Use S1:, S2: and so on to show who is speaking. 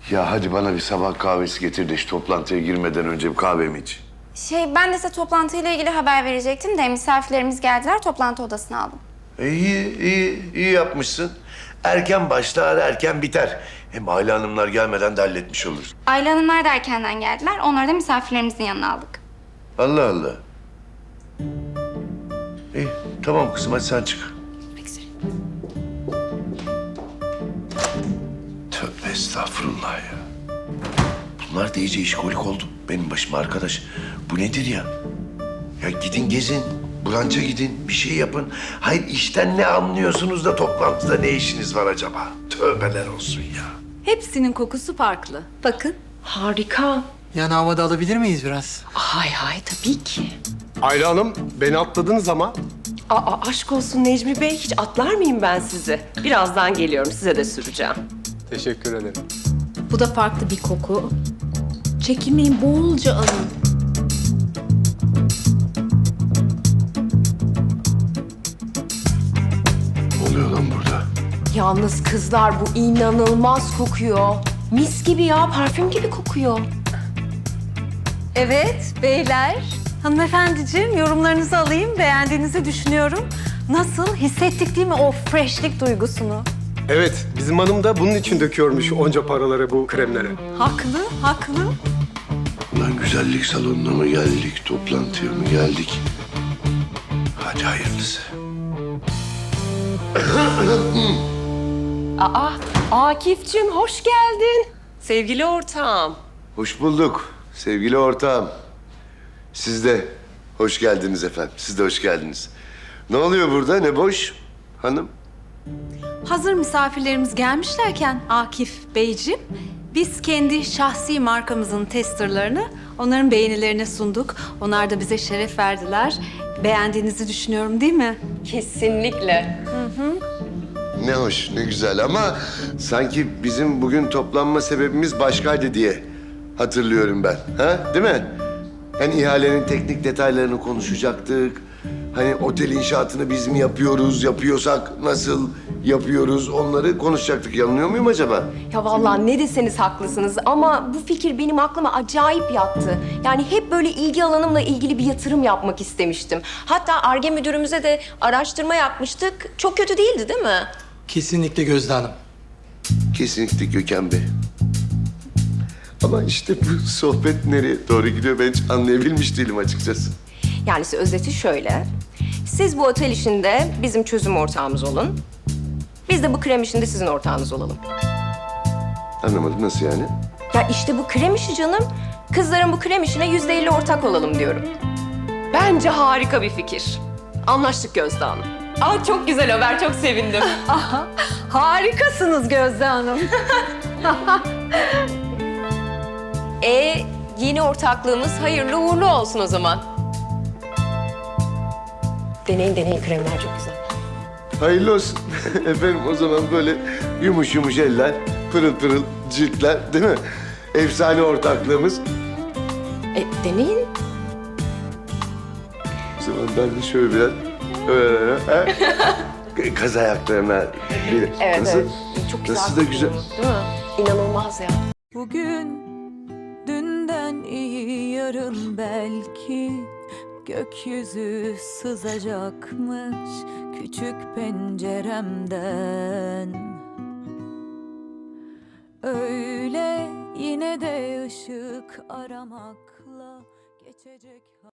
S1: Ya hadi bana bir sabah kahvesi getir de şu toplantıya girmeden önce bir kahvemi iç.
S2: Ben de size toplantıyla ilgili haber verecektim de misafirlerimiz geldiler, toplantı odasına aldım.
S1: İyi yapmışsın. Erken başlar, erken biter. Hem Aile Hanımlar gelmeden de halletmiş oluruz.
S2: Ayla Hanımlar da erkenden geldiler, onları da misafirlerimizin yanına aldık.
S1: Allah Allah. İyi, tamam kızım hadi sen çık. Tövbe estağfurullah ya. Bunlar da iyice işkolik oldu benim başıma arkadaş. Bu nedir ya? Ya gidin gezin, branşa gidin, bir şey yapın. Hayır işten ne anlıyorsunuz da toplantıda ne işiniz var acaba? Tövbeler olsun ya.
S3: Hepsinin kokusu farklı. Bakın.
S4: Harika.
S5: Yan havada alabilir miyiz biraz?
S4: Hay hay tabii ki.
S6: Ayla Hanım, beni atladınız ama.
S4: Aşk olsun Necmi Bey, hiç atlar mıyım ben sizi? Birazdan geliyorum, size de süreceğim.
S6: Teşekkür ederim.
S3: Bu da farklı bir koku. Çekinmeyin, bolca alın.
S1: Ne oluyor lan burada?
S4: Yalnız kızlar bu inanılmaz kokuyor. Mis gibi ya, parfüm gibi kokuyor.
S3: Evet, beyler. Hanımefendiciğim, yorumlarınızı alayım. Beğendiğinizi düşünüyorum. Nasıl? Hissettik değil mi o freshlik duygusunu?
S6: Evet, bizim hanım da bunun için döküyormuş onca paraları bu kremlere.
S3: Haklı, haklı.
S1: Ulan güzellik salonuna mı geldik, toplantıya mı geldik? Hadi hayırlısı.
S4: Akif'cim hoş geldin. Sevgili ortağım.
S1: Hoş bulduk sevgili ortağım. Siz de hoş geldiniz efendim. Siz de hoş geldiniz. Ne oluyor burada? Ne boş hanım?
S3: Hazır misafirlerimiz gelmişlerken Akif Beyciğim, biz kendi şahsi markamızın testerlarını onların beğenilerine sunduk. Onlar da bize şeref verdiler. Beğendiğinizi düşünüyorum değil mi?
S4: Kesinlikle.
S1: Ne hoş, ne güzel ama sanki bizim bugün toplanma sebebimiz başkaydı diye hatırlıyorum ben. Ha? Değil mi? Yani ihalenin teknik detaylarını konuşacaktık. Hani otel inşaatını biz mi yapıyoruz, yapıyorsak nasıl yapıyoruz onları konuşacaktık. Yanılıyor muyum acaba?
S4: Ya vallahi ne deseniz haklısınız ama bu fikir benim aklıma acayip yattı. Yani hep böyle ilgi alanımla ilgili bir yatırım yapmak istemiştim. Hatta Ar-Ge müdürümüze de araştırma yapmıştık. Çok kötü değildi değil mi?
S5: Kesinlikle Gözde Hanım.
S1: Kesinlikle Gökhan Bey. Ama işte bu sohbet nereye doğru gidiyor ben hiç anlayabilmiş değilim açıkçası.
S4: Yani özeti şöyle. Siz bu otel işinde bizim çözüm ortağımız olun. Biz de bu krem işinde sizin ortağınız olalım.
S1: Anlamadım nasıl yani?
S4: Ya işte bu krem işi canım. Kızların bu krem işine %50 ortak olalım diyorum. Bence harika bir fikir. Anlaştık Gözde Hanım. Çok güzel haber, çok sevindim.
S3: Harikasınız Gözde Hanım.
S4: Yeni ortaklığımız hayırlı uğurlu olsun o zaman. Deneyin kremler çok güzel.
S1: Hayırlı olsun. Efendim o zaman böyle yumuş yumuş eller, pırıl pırıl ciltler değil mi? Efsane ortaklığımız.
S4: Deneyin.
S1: O zaman ben de şöyle biraz... Kaz ayaklarına bir...
S4: Evet,
S1: Nasıl?
S4: evet. Çok güzel.
S1: Nasıl da güzel.
S4: Değil mi? İnanılmaz ya.
S7: Bugün dünden iyi yarın belki gökyüzü sızacakmış küçük penceremden. Öyle yine de ışık aramakla geçecek.